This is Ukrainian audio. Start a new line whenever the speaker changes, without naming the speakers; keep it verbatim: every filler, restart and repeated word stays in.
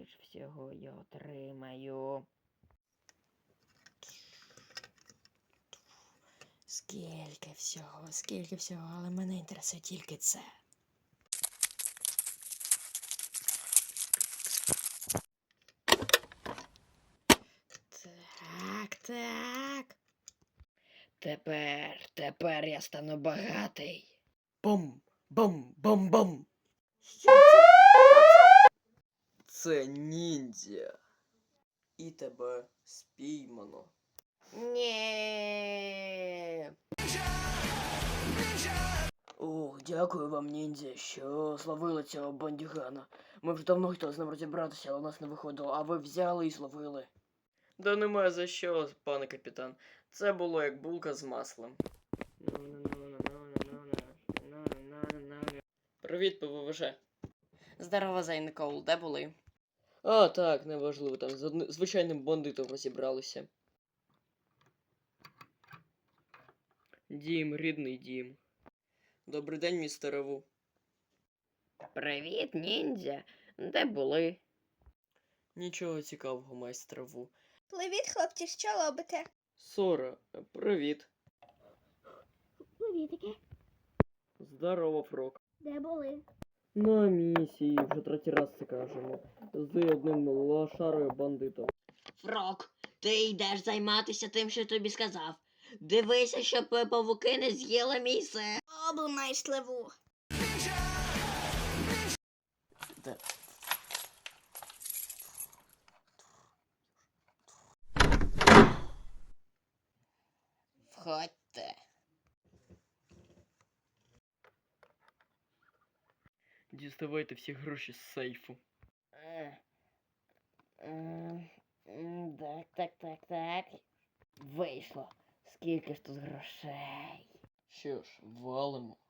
ж всього я отримаю? Скільки всього, скільки всього, але мене інтересує тільки це. Так, так. Тепер, тепер я стану багатий. Бум, бум, бум, бум. Що це?
Це ніндзя. І тебе спіймано.
Ні.
Ох, дякую вам, ніндзя, що зловили цього бандюгана. Ми вже давно хотіли з ним розібратися, але у нас не виходило, а ви взяли і зловили. Да немає за що, пане капітан. Це було як булка з маслом. Привіт, ПВВЖ.
Здорово, Зей Никол, де були?
А, так, неважливо, там з одни... звичайним бандитом розібралися. Дім, рідний дім. Добрий день, містере Ву.
Привіт, ніндзя. Де були?
Нічого цікавого, майстре Ву.
Привіт, хлопці, що робите?
Сора, привіт.
Привітики.
Здорово, Фрок.
Де були?
На місії, вже третій раз це кажемо. З одним лошарою бандитом.
Фрок, ти йдеш займатися тим, що я тобі сказав. Дивися, щоб павуки не з'їли мій сир.
Обу майстливу.
Де?
Входьте.
Діставайте всі гроші з сейфу.
Е, е, м, Так, так, так, так. Вийшло. Скільки ж тут грошей?
Що ж, валимо.